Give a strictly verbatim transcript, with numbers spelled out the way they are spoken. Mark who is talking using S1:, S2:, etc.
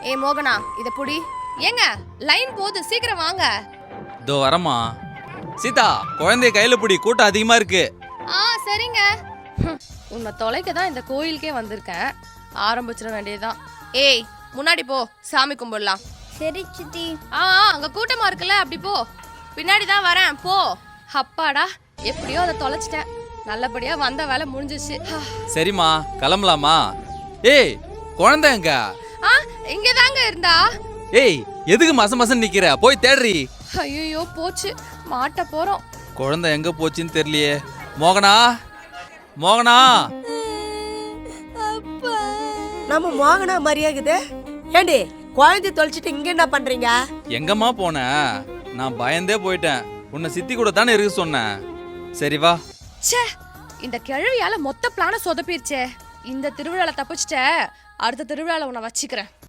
S1: ஏ மோகனா இத புடி. ஏங்க லைன் போகுது, சீக்கிரம் வாங்க.
S2: இதோ வரமா. சீதா, குழந்தைய கையில பிடி, கூட்டம் அதிகமா இருக்கு.
S1: ஆ சரிங்க. உன்னை தொலைக்க தான் இந்த கோயிலுக்கே வந்திருக்கேன். ஆரம்பிச்சிட வேண்டியதுதான். ஏய் முன்னாடி போ, சாமி கும்பிடலாம்.
S3: சரி சித்தி.
S1: ஆ அங்க கூட்டமா இருக்குல்ல, அப்படி போ. பின்னாடி தான் வரேன், போ. அப்பாடா, எப்படியோ அதை தொலைச்சிட்டேன். நல்லபடியா வந்த வேலை முடிஞ்சிச்சு.
S2: சரிம்மா, கிளம்பலாமா? ஏய், குழந்தை எங்க?
S1: ஆ இங்க தாங்க இருந்தா.
S2: ஏய், எதுக்கு மச மசன்னு நிக்கிற? போய் தேடுறி.
S1: ஐயோ போச்சு, மாட்ட போறோம்.
S2: குழந்தை எங்க போச்சுன்னு தெரியலையே. மோகனா, மோகனா.
S4: நம்ம மோகனா மரியாகுது. ஏண்டி குழந்தை தொலைச்சிட்டு இங்க என்ன பண்றீங்க?
S2: எங்கம்மா போன? நான் பயந்தே போயிட்டேன். உன்னை சித்தி கூட தானே இருக்க சொன்னேன். சரி வா.
S1: ச்சே, இந்த கிழவியால மொத்த பிளான சொதப்பிருச்சே. இந்த திருவிழால தப்பிச்சிட்ட, அடுத்த திருவிழால உன்னை வச்சுக்கிறேன்.